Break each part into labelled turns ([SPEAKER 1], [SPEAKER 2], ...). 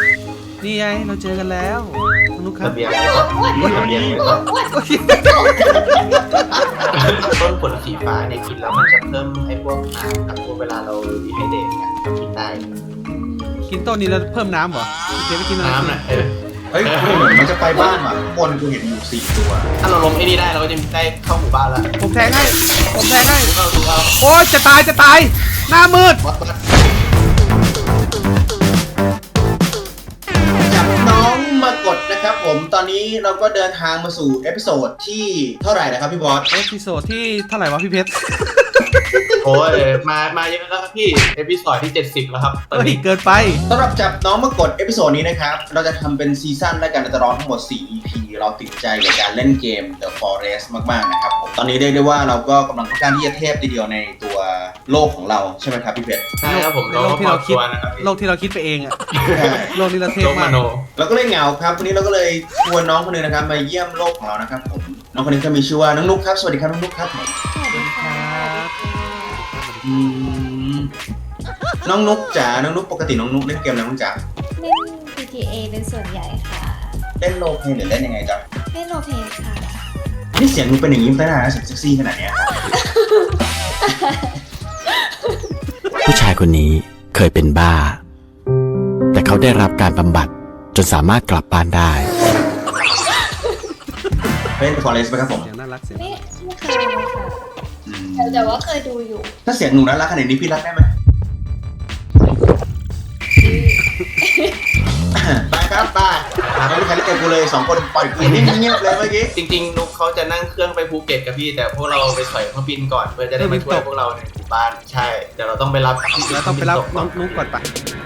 [SPEAKER 1] นี่ไงเราเจอกันแล้วนุ๊กครับ
[SPEAKER 2] ระเบียงต้นผลสีฟ้าเนี่ยกินแล้วมันจะเพิ่มไอ้พวกน้ำกับพวกเวลาเราดีไฮเดรตเนี่ยเรากินได้
[SPEAKER 1] กินต้นนี้แล้วเพิ่มน้ำเหรอเดี๋ยวไปกินอะไร
[SPEAKER 2] น้ำน่ะ
[SPEAKER 3] เฮ้ยเหมือนมันจะไปบ้านว่ะข้างบนกูเห็นอยู่4 ตัว
[SPEAKER 2] ถ้าเราลงไอ้นี่ได้เราก็จะได้เข้าหมู่บ้านแล้ว
[SPEAKER 1] ผมแทงให้
[SPEAKER 2] ดูเอา
[SPEAKER 1] โอ้ยจะตายหน้ามืด
[SPEAKER 3] จับน้องมากดนะครับผมตอนนี้เราก็เดินทางมาสู่เอพิโซดที่เท่าไหร่นะครับพี่บอส
[SPEAKER 1] เอพิโซดที่เท่าไหร่วะพี่เพชร
[SPEAKER 2] โอ้ยมาเยอะแล้วครับพี่เอพิโซดที่70แล้วครับตอน
[SPEAKER 1] เฮ้ย
[SPEAKER 2] นี้
[SPEAKER 1] เกินไป
[SPEAKER 3] สำหรับจับน้องมากดเอพิโซดนี้นะครับเราจะทำเป็นซีซั่นและกันเราจะรอทั้งหมด4 EP เราติดใจกับการเล่นเกม The Forest มากๆนะครับผมตอนนี้เรียกได้ว่าเราก็กำลังต้องการที่จะเทพทีเดียวในตัวโลกของเราใช่ไหมครับพี่เพชร
[SPEAKER 2] ใช่ครับผม
[SPEAKER 1] ในโลกที่เราคิด
[SPEAKER 2] นะครับ
[SPEAKER 1] โลกที่เราคิดไปเองอะโลกนี้เราเทพ
[SPEAKER 2] โลกม
[SPEAKER 1] มาก
[SPEAKER 2] โน
[SPEAKER 3] เราก็เลยเหงาครับวันนี้เราก็เลยชวนน้องคนหนึงนะครับมาเยี่ยมโลกของเรานะครับผมน้องคนนี้ก็มีชื่อว่าน้องนุ๊กครับสวัสดีครับน้องนุ๊กครับผม
[SPEAKER 4] สวัสดีค่ะ
[SPEAKER 3] อืมน้องนุ๊กจ๋าน้องนุ๊กปกติน้องนุ๊กเล่นเกมอะไรน้องจ๋า
[SPEAKER 4] เล่น GTA เป็นส่วนใหญ่ค่ะ
[SPEAKER 3] เล่นโรลเพลย์หรือเล่นยังไงจ๊ะ
[SPEAKER 4] เล่นโรลเพลย์ค่ะ
[SPEAKER 3] นี่เสียงมึงเป็นอย่างนี้มาตั้งนานแล้วเสียงเซ็กซี่ขนาดเนี้ย
[SPEAKER 5] ผู้ชายคนนี้เคยเป็นบ้า แต่เขาได้รับการบำบัดจนสามารถกลับบ้านได้
[SPEAKER 3] เล่น Forest ไหมครับผม
[SPEAKER 1] เสียงน่ารักเสียง
[SPEAKER 4] ไม่เคยเลยค่ะ
[SPEAKER 3] อืม
[SPEAKER 4] แต่ว่าเคยดูอยู่
[SPEAKER 3] ถ้าเสียงหนูน่ารักขนาดนี้พี่รักได้ไหม ไปครับไปไม่มีใครเล่นกับกูเลย2 คนปล่อยกูนิ่งเงียบเลยเมื่อกี้
[SPEAKER 2] จริงๆนุ๊กเขาจะนั่งเครื่องไปภูเก็ตกับพี่แต่พวกเราไปถอยเครื่องบินก่อนเพื่อจะได้มาช่วยพวกเราในหมู่บ้านใช่เดี๋ยวเราต้องไปรับ
[SPEAKER 1] แล้วต้องไปรับน้องนุ๊กก่อนไป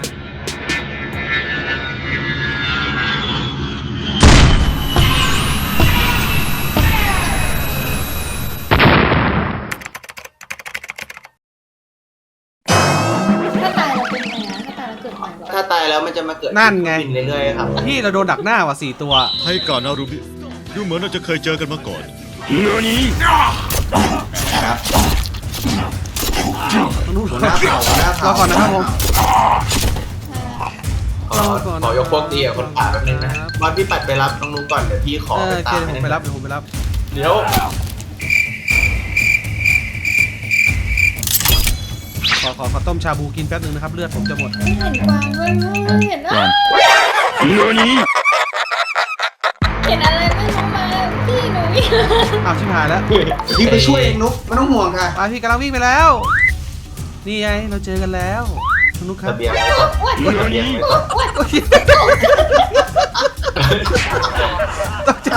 [SPEAKER 4] ถ้าตายเราเป็นไงนะถ้าตายเราเกิดใหม่เหรอ
[SPEAKER 2] ถ้าตายแล้วมันจะมาเกิด
[SPEAKER 1] นั่นไง
[SPEAKER 2] เครื่องบินเรื่อยๆครับ
[SPEAKER 1] พี่เราโดนดักหน้าว่ะ4 ตัว
[SPEAKER 6] ให้การนารุมิดูเหมือนเราจะเคยเจอกันมาก่อน
[SPEAKER 3] ครับ
[SPEAKER 1] นุ๊ก
[SPEAKER 3] หัวหน้าเผ่าหัวหน้าเผ่าร
[SPEAKER 1] อก่อนนะครับผม
[SPEAKER 2] ขอยกพวกดีกับคนป่าแป๊บนึงนะบอลพี่ปัดไปรับน้องนุ๊กก่อนเดี๋ยวพี่ขอ
[SPEAKER 1] โอ
[SPEAKER 2] ไป
[SPEAKER 1] เค
[SPEAKER 2] ตาม
[SPEAKER 1] เดี๋ยวผมไปรับเดี๋ยวผมไปรับ
[SPEAKER 2] เดี๋ยว
[SPEAKER 1] ขอต้มชาบูกินแป๊บนึงนะครับเลือดผมจะหมด
[SPEAKER 4] ไม่เห็นกวางด้วยเห็นว่าเห็นอะไรไม่รู้มาพี่หนูวิ่ง
[SPEAKER 1] อ้าวชิบหายแล้ว
[SPEAKER 3] พี่ไปช่วยเองนุ๊กไม่ต้องห่วงค่ะ
[SPEAKER 1] ไปพี่กำลังวิ่งไปแล้ว นี่ไงเราเจอกันแล้วนุ๊กครับ
[SPEAKER 2] ระเบียง
[SPEAKER 4] อ้วน
[SPEAKER 2] ระเบียง
[SPEAKER 4] อ้วน
[SPEAKER 1] โอเคตกใจ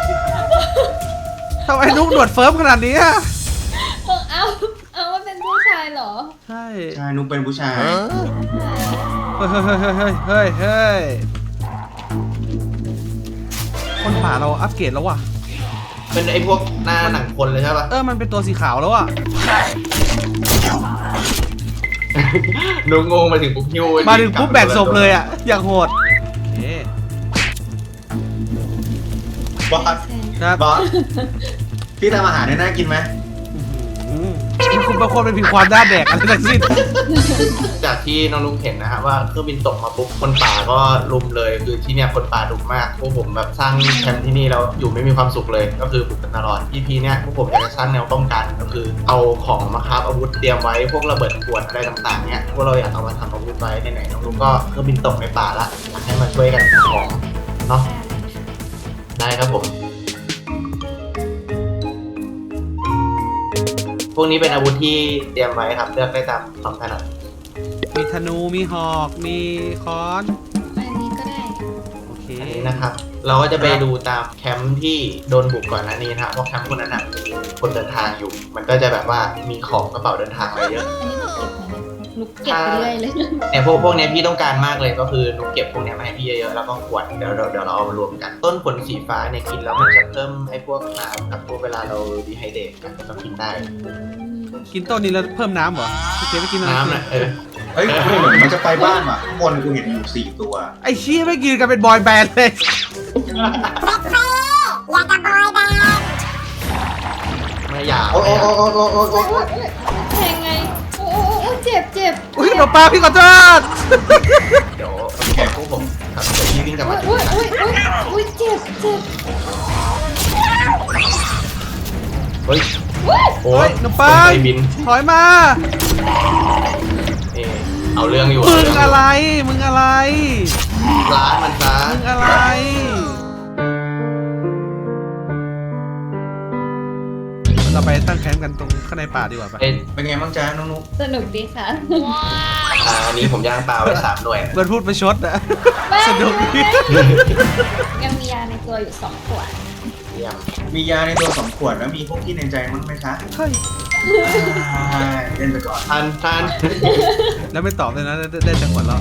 [SPEAKER 1] ทำไมนุ๊กหนวดเฟิร์มขนาดนี้อะ
[SPEAKER 4] เอาว่าเป็นผู้ชายเหรอ
[SPEAKER 1] ใช่
[SPEAKER 3] ใช่นุ๊กเป็นผู้ชาย
[SPEAKER 1] เฮ้ยคนป่าเราอัปเกรดแล้วว่ะ
[SPEAKER 2] เป็นไอ้พวกหน้าหนังคนเลยใช่ปะ
[SPEAKER 1] มันเป็นตัวสีขาวแล้วอ่ะ
[SPEAKER 2] นุ๊กงงมาถึงปุ๊บฮิว
[SPEAKER 1] มาถึงปุ๊บแบกศพเลยอ่ะอย่างโหดเอ๊ะ
[SPEAKER 3] บอส
[SPEAKER 1] ครับ
[SPEAKER 3] บอสพี่ทำอาหารได้น่ากินไหม
[SPEAKER 1] คุณบางคนเป็นผิวความด้านแดกอะไรทั้งสิ้น
[SPEAKER 2] จากที่น้องนุ๊กเห็นนะฮะว่าเครื่องบินตกมาปุ๊บคนป่าก็ลุมเลยคือที่เนี่ยคนป่าดุมากพวกผมแบบสร้างแคมป์ที่นี่แล้วอยู่ไม่มีความสุขเลยก็คือบุกกันตลอด EP เนี่ยพวกผมอยากจะสร้างแนวป้องกันก็คือเอาของมาคราฟอาวุธเตรียมไว้พวกระเบิดขวดอะไรต่างๆเนี่ยพวกเราอยากเอามาทำอาวุธไว้ไหนๆน้องนุ๊กก็เครื่องบินตกในป่าละอยากให้มาช่วยกันหาของเนาะได้ครับผมพวกนี้เป็นอาวุธที่เตรียมไว้ครับเลือกได้ตามความถนัด
[SPEAKER 1] มีธนูมีหอกมีค้อน
[SPEAKER 4] อันนี้ก็ได้
[SPEAKER 1] โอเค
[SPEAKER 2] อันนี้นะครับเราก็จะไปดูตามแคมป์ที่โดนบุกก่อนหน้านี้นะครับเพราะแคมป์พวกนั้นนะมีคนเดินทางอยู่ มันก็จะแบบว่ามีของกระเป๋าเดินทางอะไรเยอะ
[SPEAKER 4] อันนี้หนูเก็บไหมเนี่ยหนูเก็บไปเรื่อยเลย
[SPEAKER 2] เนี่ยพวกเนี้ยพี่ต้องการมากเลยก็คือหนูเก็บพวกเนี้ยมาให้พี่เยอะๆแล้วก็ขวดเดี๋ยวเราเอามารวมกัน ต้นผลสีฟ้าเนี่ยกินแล้วมันจะเพิ่มไอ้พวกน้ำกับพวกเวลาเราดีไฮเดรตกันเรากินได้
[SPEAKER 1] กินต้นนี้แล้วเพิ่มน้ำเหรอพี่เจ๊ไปกินอะไร
[SPEAKER 2] น้ำน่ะ
[SPEAKER 3] เฮ้ยเหมือนมันจะไปบ้านว่ะข้างบนกูเห็นอยู่4 ตัว
[SPEAKER 1] ไอ้ชี้ไม่กินกันเป็นบอยแบนด์เลย
[SPEAKER 2] ไม่อยาก
[SPEAKER 3] โอ้โอ้
[SPEAKER 4] แทงไงโอ้เจ็บ
[SPEAKER 1] อุ้ยหมอปลาพี่ขอโทษ
[SPEAKER 2] เดี๋ยว
[SPEAKER 3] แกพวก
[SPEAKER 2] ผมครับเดี๋ยวพี่วิ่งกลับมา
[SPEAKER 4] อุ้ยเจ็บ
[SPEAKER 2] เฮ้ย โอ้
[SPEAKER 1] เฮ้
[SPEAKER 2] ย
[SPEAKER 1] ยหนู
[SPEAKER 2] ค
[SPEAKER 1] ปั
[SPEAKER 2] น
[SPEAKER 1] ง
[SPEAKER 2] ไปบิน
[SPEAKER 1] ถอยมา
[SPEAKER 2] นี่เอาเรื่องอยู่
[SPEAKER 1] มึงอะไร มึงอะไร
[SPEAKER 2] ร้านมันซะ
[SPEAKER 1] มึงอะไร เราไปตั้งแคมป์กันตรงข้างในป่าดีกว่าปะ
[SPEAKER 2] เอ้ย
[SPEAKER 3] เป็นไงบ้างจ๊ะน้องนุ๊ก
[SPEAKER 4] สนุกดีค่ะ
[SPEAKER 2] อันนี้ผมย่างปลาไว้3 หน่วย
[SPEAKER 1] เบิร์ดพูดไปชดอะ
[SPEAKER 4] ไม่
[SPEAKER 1] สนุกดี
[SPEAKER 4] ยังมียาในตัวอยู่2 ขวด
[SPEAKER 2] เยี่ยม
[SPEAKER 3] มียาในตัว2 ขวดแล้วมีพวกที่ในใจมั้งไหมคะ
[SPEAKER 1] เฮ้ย
[SPEAKER 3] เล่นไปก่อน
[SPEAKER 2] ท่าน
[SPEAKER 1] แล้วไม่ตอบเลยนะ ได้จังหวะแล้ว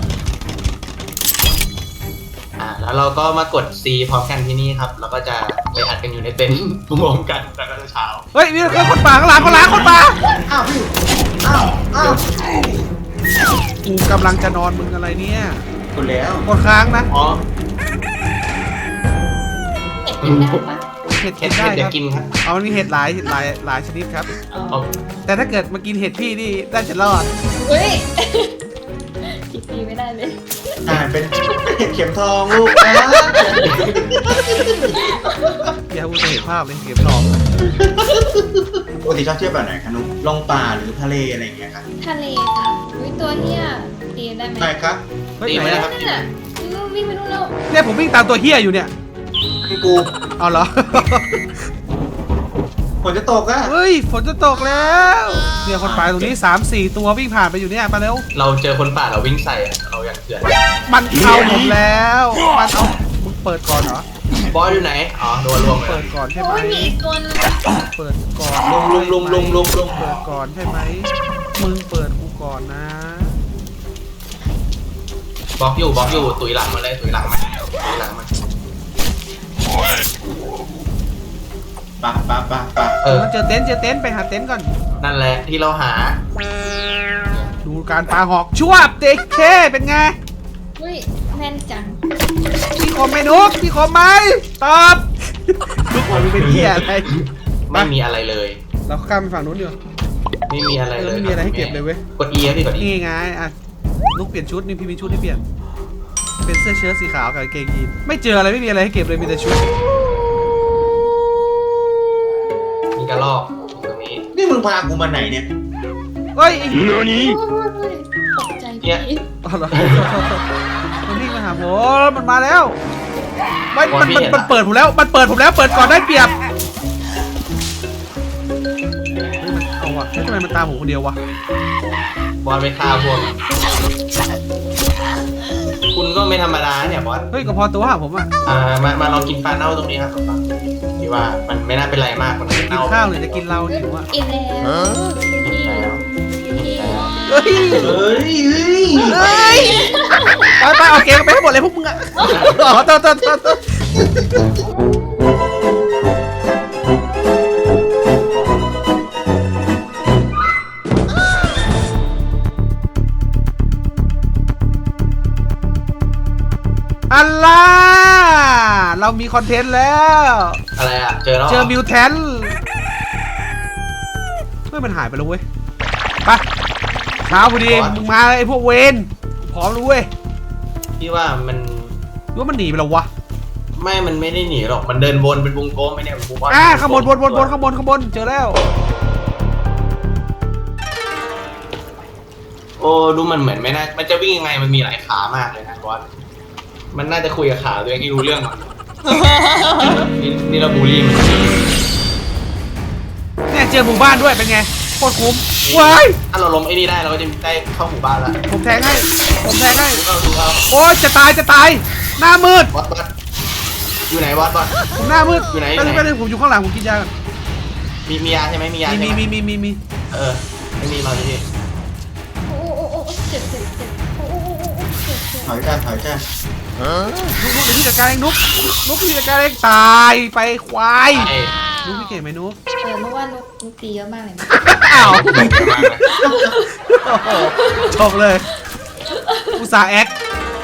[SPEAKER 2] แล้วเราก็มากด C พร้อมกันที่นี่ครับ แล้วก็จะไปอัดกันอยู่ในเต็นท์รวมกันแล้วก็เช้า
[SPEAKER 1] เฮ้ยมีคนป่าข้างหลังคนป่า
[SPEAKER 3] อ้าวพี่อ้าว
[SPEAKER 1] กูกำลังจะนอนมึงอะไรเนี่ย
[SPEAKER 3] กดแล้ว
[SPEAKER 1] กดค้างนะ
[SPEAKER 2] อ๋อ
[SPEAKER 4] เห็ดกินได้ปะ
[SPEAKER 1] เห็ด
[SPEAKER 2] เห็
[SPEAKER 1] กิ
[SPEAKER 2] ด
[SPEAKER 1] นได้
[SPEAKER 2] เดี๋
[SPEAKER 1] ค
[SPEAKER 2] ยว
[SPEAKER 1] รับ
[SPEAKER 2] กินครับ
[SPEAKER 1] เอามันมีเห็ดหลายชนิดครับ
[SPEAKER 4] อ๋อ
[SPEAKER 2] เอา
[SPEAKER 1] แต่ถ้าเกิดมากินเห็ดพี่นี่น่าจะรอด
[SPEAKER 4] อุ้ยคิดดีไม่ได้เลย
[SPEAKER 3] เป็นเห็ดเข็มทองลูกนะ
[SPEAKER 1] อย่าพูดเห็นภาพเลยเก็บทอง
[SPEAKER 3] ปกติชอบเที่ยวแบบไหนคะนุ๊กลงป่าหรือทะเลอะไรอย่างเงี้ยครับ
[SPEAKER 4] ทะเลค่ะอุ้ยตัวเนี้ยตีได้ไหม
[SPEAKER 3] ใช่ครับ
[SPEAKER 1] เฮ้ย
[SPEAKER 2] ตี
[SPEAKER 1] ไห
[SPEAKER 2] ไห
[SPEAKER 1] น
[SPEAKER 2] ม
[SPEAKER 1] อะ
[SPEAKER 2] ครับ
[SPEAKER 4] นั่นน่ะวิ่งไปนู่นแล้ว
[SPEAKER 1] เนี่ยผมวิ่งตามตัวเฮียอยู่เนี่ย
[SPEAKER 3] พี่กู
[SPEAKER 1] เอาเหรอ
[SPEAKER 3] ฝนจะตกอ่ะ
[SPEAKER 1] เฮ้ยฝนจะตกแล้วเนี่ยคนป่าตรงนี้3-4 ตัววิ่งผ่านไปอยู่เนี่ยมาเร็ว
[SPEAKER 2] เราเจอคนป่าเราวิ่งใส่อะเรายังเถื่อน
[SPEAKER 1] มันเอาผมแล้วมันเอามึงเปิดก่อนเหรอบ
[SPEAKER 2] อสอยู่ไหน อ๋อโดนรวมเล
[SPEAKER 1] เปิ
[SPEAKER 2] ย
[SPEAKER 1] ดก่อนใช่ไหม
[SPEAKER 4] โอ้ยมีอีกตัวนึง
[SPEAKER 1] เปิดก่อน
[SPEAKER 2] ลุม
[SPEAKER 1] เปิดก่อนใช่ไหมมึงเปิดกูก่อนนะ
[SPEAKER 2] บล็อกอยู่ตุยหลังมาเลยตุยหลังมาตุยหลังมา
[SPEAKER 3] ปะ
[SPEAKER 1] มันเจอเต็นท์ไปหาเต็นท์ก่อน
[SPEAKER 2] นั่นแหละที่เราหา
[SPEAKER 1] ดูการปาหอกชั่วเด็กเคเป็นไง
[SPEAKER 4] อุ้ยแม่นจัง
[SPEAKER 1] พี่คมไหมนุกพี่คมไหมตอบนุกบอกมึงเป็นเหี้ยอะไร
[SPEAKER 2] ไม่มีอะไรเลย
[SPEAKER 1] เราข้ามไปฝั่งนู้นดีกว่า
[SPEAKER 2] ไม่มีอะไรเลย
[SPEAKER 1] ไม่มีอะไรให้เก็บเลยเว้ย
[SPEAKER 2] กด E ครับพี่กด E
[SPEAKER 1] นี่ไงอ่ะนุกเปลี่ยนชุดนี่พี่มีชุดให้เปลี่ยนเป็นเสื้อเชิ้ตสีขาวกับกางเกงยีนไม่เจออะไรไม่มีอะไรให้เก็บเลยมีแต่ชุด
[SPEAKER 2] มีกระรอกอยู่ตรงนี้
[SPEAKER 3] นี่มึงพากูมาไหนเนี่ย
[SPEAKER 1] เฮ้ย
[SPEAKER 4] โอ้ยตกใจพี่
[SPEAKER 1] อ๋อเหรอมันวิ่งมาหาผมมันมาแล้วมันเปิดผมแล้วเปิดก่อนได้เปรียบเฮ้ยมันเอาวะเฮ้ยทำไมมันตามผมคนเดียววะ
[SPEAKER 2] บอสไปฆ่าพวก คุณก็ไม่ธรรมดาเนี่ยบอส
[SPEAKER 1] เฮ้ยก็พอตัวหาผมอ่ะ
[SPEAKER 2] มาลองกินปลาเน่าตรงนี้ครับพี่ว่ามันไม่น่าเป็นไรมากมัน
[SPEAKER 1] กิน
[SPEAKER 2] เน่า
[SPEAKER 1] ข้าวหรือจะกินเหล้าหิวอ่ะ
[SPEAKER 4] กินแล้วพี่
[SPEAKER 2] แล้ว
[SPEAKER 1] เฮ้ย
[SPEAKER 3] เฮ้ย
[SPEAKER 1] เฮ้ยไปเอาเกงไปให้หมดเลยพวกมึงอ่ะอ๋อตัวอัลล่าเรามีคอนเทนต์แล้ว
[SPEAKER 2] อะไรอ่ะเจอแล้ว
[SPEAKER 1] เจอมิวแทนเฮ้ยมันหายไปแล้วเว้ยไปเช้าพอดีมึงมาไอ้พวกเวนพร้อมแล้วเว้ย
[SPEAKER 2] พี่ว่ามัน
[SPEAKER 1] หรือว่ามันหนีไปแล้ววะ
[SPEAKER 2] มันไม่ได้หนีหรอกมันเดินวนเป็นวงกลมไปเนี่ยบอส
[SPEAKER 1] ข้างบนข้างบนเจอแล้ว
[SPEAKER 2] โอ้ดูมันเหมือนไม่น่ามันจะวิ่งยังไงมันมีหลายขามากเลยนะบอสมันน่าจะคุยกับขาตัวเองที่รู้เรื่องก่อนนี่เราบูลลี่มัน
[SPEAKER 1] เนี่ยเจอหมู่บ้านด้วยเป็นไงโคตรคุ้มว้าย
[SPEAKER 2] ถ้าเราล้มไอ้นี่ได้เราก็จะได้เข้าหมู่บ้านแล้ว
[SPEAKER 1] ผมแทงให้
[SPEAKER 2] ดูเอา
[SPEAKER 1] โอ้ยจะตายหน้ามืด
[SPEAKER 2] บอสอยู่ไหนบอส
[SPEAKER 1] ผมหน้ามืด
[SPEAKER 2] อยู่ไหน
[SPEAKER 1] ไปเลยผมอยู่ข้างหลังผมกินยาก่อน
[SPEAKER 2] มียาใช่ไหมมียาใช่ไหม
[SPEAKER 1] มี
[SPEAKER 2] เออไม่มีเราที่
[SPEAKER 4] โอ้เจ็บโอ้เจ็บ
[SPEAKER 3] ถอยจ้า
[SPEAKER 1] นุ๊กเดี๋ยวพี่จัดการเองนุ๊กพี่จัดการเองตายไปควาย
[SPEAKER 2] ไอ้
[SPEAKER 1] นุ๊กพี่เก่งไหมนุ๊ก
[SPEAKER 4] เมื่อวานนุกตีเยอะมากเลยนะ
[SPEAKER 1] อ้าว
[SPEAKER 2] ไม่เก่งมากนะ
[SPEAKER 1] โอ้โหจบเลยอุตส่าห์แอค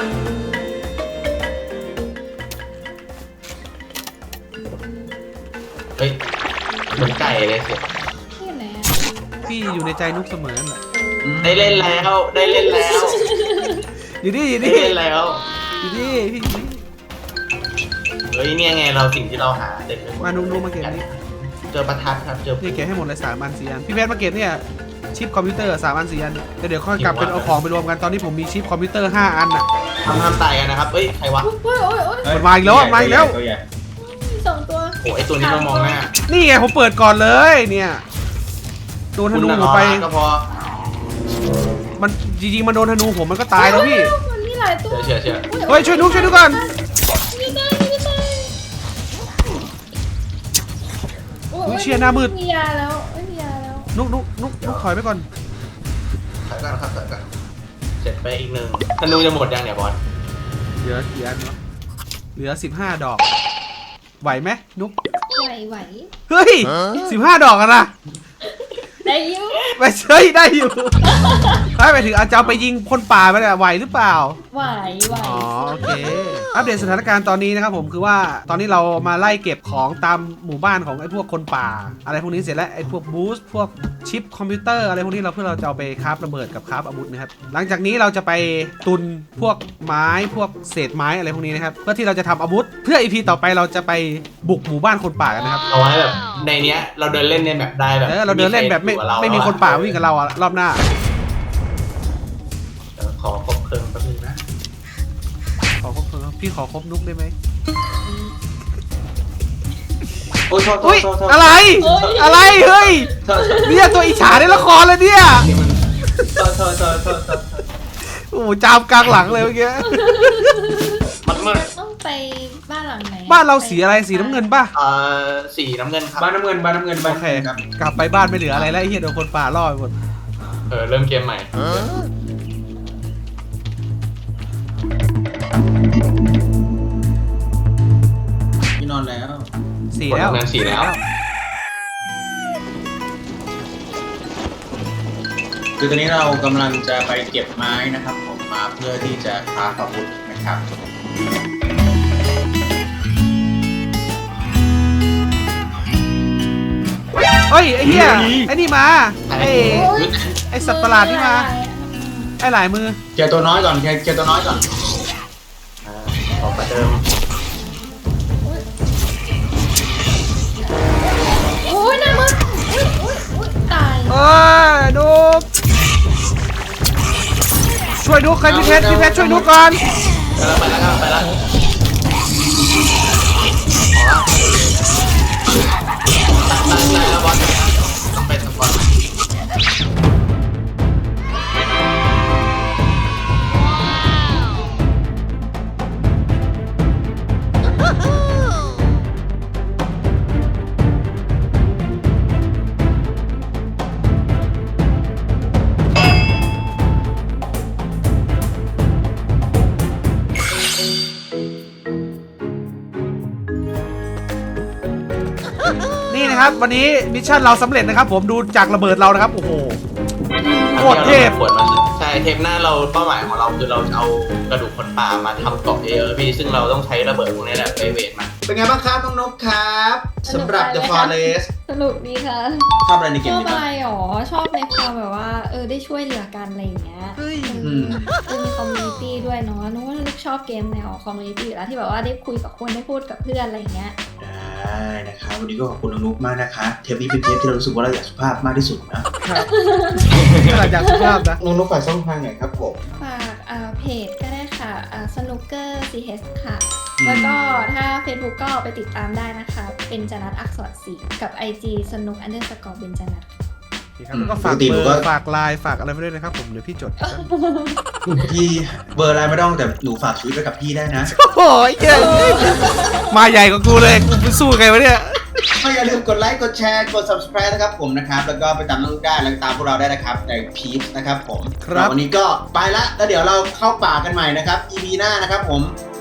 [SPEAKER 2] เฮ้ยเหมือนไก่เลยเสีย
[SPEAKER 4] ที่ไหนอ่ะ
[SPEAKER 1] พี่อยู่ในใจนุ๊กเสมอนั่นแหละ
[SPEAKER 2] ได้เล่นแล้ว
[SPEAKER 1] อยู่นี่
[SPEAKER 2] ได้เล่นแล้ว
[SPEAKER 1] อยู่นี่พี่
[SPEAKER 2] เฮ้ยเนี่ยไงเราสิ่งที่เราหาเด็ดไปหมด
[SPEAKER 1] มานุ่มๆมาเก็บนี่
[SPEAKER 2] เจอประทัดครับเจอ
[SPEAKER 1] นี่เก็บให้หมดเลย3 อัน 4 อันพี่เพชรมาเก็บเนี่ยชิปคอมพิวเตอร์3 อัน 4 อันแต่เดี๋ยวค่อยกลับเป็นเอาของไปรวมกันตอนนี้ผมมีชิปคอมพิวเตอร์5 อันน่ะ
[SPEAKER 2] ทำตายกันนะครับเฮ้ยใครวะ
[SPEAKER 4] โอ้ยโอ้ยโอ้ย
[SPEAKER 1] มันมาอีกแล้วมาอีกแล้ว
[SPEAKER 3] ตัวใหญ่
[SPEAKER 4] 2 ตัว
[SPEAKER 2] โอ้ไอตัวนี้เรามองหน้า
[SPEAKER 1] นี่ไงผมเปิดก่อนเลยเนี่ยโดนธนูผมไป
[SPEAKER 2] ก็พอ
[SPEAKER 1] มันจริงๆมันโดนธนูผมมันก็ตายแล้วพี่
[SPEAKER 4] มันมีหลายตัว
[SPEAKER 2] เชื่อ
[SPEAKER 1] เฮ้ยช่วยนุ๊กก่อน
[SPEAKER 4] มีได้มีได้มียาแล้วไม่มียาแล้ว
[SPEAKER 1] นุ๊กถอยไปก่อน
[SPEAKER 2] ถอยก่อนครับถอยก่อนเสร็จไปอีกหนึ่งธนูจะหมดยังเนี่ยบอล
[SPEAKER 1] เหลือกี่อันวะเหลือ15 ดอกไหวไหมนุ๊ก
[SPEAKER 4] ไหว
[SPEAKER 1] เฮ้ย15 ดอกกันนะ
[SPEAKER 4] ได้อยู่
[SPEAKER 1] ไม่ใช่ได้อยู่ไปถึงอาจจะเอาไปยิงคนป่าไปเนี่ยไหวหรือเปล่า
[SPEAKER 4] ไหว
[SPEAKER 1] อ๋อโอเคอัปเดตสถานการณ์ตอนนี้นะครับผมคือว่าตอนนี้เรามาไล่เก็บของตามหมู่บ้านของไอ้พวกคนป่า อะไรพวกนี้เสร็จแล้วไอ้พวกบูสต์พวกชิปคอมพิวเตอร์อะไรพวกนี้เพื่อเราจะเอาไปคราฟระเบิดกับคราฟอาวุธนะครับหลังจากนี้เราจะไปตุนพวกไม้พวกเศษไม้อะไรพวกนี้นะครับเพื่อที่เราจะทำอาวุธเพื่อ EP ต่อไปเราจะไปบุกหมู่บ้านคนป่ากันนะครับ
[SPEAKER 2] เอาไว้แบบในเนี้ยเราเดินเล่นในแบบได้แบบ
[SPEAKER 1] เราเดินเล่นแบบไม่มีคนป่าวิ่งกับเราอะรอบหน้า
[SPEAKER 2] ขอครบเพลิงแป๊บนึงนะ
[SPEAKER 1] ขอครบพี่ขอครบนุ๊กได้ไหม
[SPEAKER 3] โอ้ยโทษ
[SPEAKER 1] อุ้ย
[SPEAKER 3] โทษ
[SPEAKER 1] อะไรอะไรเฮ้ยเนี่ยตัวอิจฉาในละครเลยเนี่ย
[SPEAKER 3] โทษ
[SPEAKER 1] โอ้โหจามกลางหลังเลยเมื่อกี้
[SPEAKER 2] มันมืด
[SPEAKER 4] ต้องไปบ้านหลังไหน
[SPEAKER 1] บ้านเราสีอะไรสีน้ำเงินป่ะ
[SPEAKER 2] สีน้ำเงินครับ
[SPEAKER 3] บ้านน้ำเงิน
[SPEAKER 1] โอเค
[SPEAKER 3] ครับ
[SPEAKER 1] กลับไปบ้านไม่เหลืออะไรแล้วไอ้เหี้ยโดนคนป่าล่อไปหมด
[SPEAKER 2] เริ่มเกมใหม่
[SPEAKER 3] พี่นอนแล้ว
[SPEAKER 1] สีแล้ว
[SPEAKER 2] คนทำงานสีแล้ว
[SPEAKER 3] คือตอนนี้เรากำลังจะไปเก็บไม้นะครับผมมาเพื่อที่จะคราฟอาวุธนะครับ
[SPEAKER 1] เฮ้ยไอ้เหี้ยไอ้นี่มาไอ้สัตว์ประหลาดนี่มาไอ้หลายมือ
[SPEAKER 3] เจอตัวน้อยก่อนเจอตัวน้อยก่อน
[SPEAKER 2] ขอประเดิม
[SPEAKER 4] โอ้ยน่ามึนตาย
[SPEAKER 1] เอ้ยนุ๊กช่วยนุ๊กใครพี่เพชรช่วยนุ๊กก่อน
[SPEAKER 2] ไปแล้วบอลต้องไปสปอร์ต
[SPEAKER 1] นี่นะครับวันนี้มิชชั่นเราสำเร็จนะครับผมดูจากระเบิดเรานะครับโอ้โหโคตรเทพ
[SPEAKER 2] ใช่เทปหน้าเราเป้าหมายของเราคือเราจะเอากระดูกคนป่ามาทำเกาะพี่ซึ่งเราต้องใช้ระเบิดพวกนี้แหละไปเวทมัน
[SPEAKER 3] เป็นไงบ้างครับน้องนกครับสำหรับ The Forest
[SPEAKER 4] สนุกดีค่ะ
[SPEAKER 3] ชอบอะไรในเก
[SPEAKER 4] ช
[SPEAKER 3] ม
[SPEAKER 4] อบ
[SPEAKER 3] นี้
[SPEAKER 4] อะ
[SPEAKER 3] บ้าง
[SPEAKER 4] ไรหรอชอบในความแบบว่าได้ช่วยเหลือกันอะไรอย่างเงี้ยมีคอมมูนิตี้ด้วยเนาะนึกว่าลูกชอบเกมแนวคอมมูนิตี้อยู่แล้วที่แบบว่าได้คุยกับคนได้พูดกับเพื่อนอะไรอย่างเงี้ย
[SPEAKER 3] ได้นะครับวันนี้ก็ขอบคุณน้องนุ๊กมากนะคะเทปนี้เป็นเทปที่เรารู้สึกว่าเราอยากสุภาพมากที่สุดนะครับ
[SPEAKER 1] หลังจากสุภาพนะ
[SPEAKER 3] น้องนุ๊กฝากช่องทางไหนครับผม
[SPEAKER 4] ฝากเพจก็ได้ค่ะSnooker CS ค่ะ แล้วก็ถ้า Facebook ก็ไปติดตามได้นะคะ เป็นจนัทอักษรศรีกับ IG snook_เป็นจนัท
[SPEAKER 1] แล้วก็ฝากเบอร์ฝากไลน์ฝากอะไรไปด้วยนะครับผมเดี๋ยวพี่จด
[SPEAKER 3] พี่เบอร์อะไรไม่ต้องแต่หนูฝากชีวิตไว้กับพี่ได้นะ
[SPEAKER 1] โอ้ยเจ๋งมาใหญ่กว่ากูเลยกูไปสู้ไงวะเนี่ย
[SPEAKER 3] ก็อย่าลืมกดไลค์กดแชร์กด subscribe นะครับผมนะครับแล้วก็ไปตามน้องนุ๊กได้แล้วก็ตามพวกเราได้นะครับในพีชนะครับผม
[SPEAKER 1] ครับ
[SPEAKER 3] วันนี้ก็ไปละแล้วเดี๋ยวเราเข้าป่ากันใหม่นะครับ EP หน้านะครับผม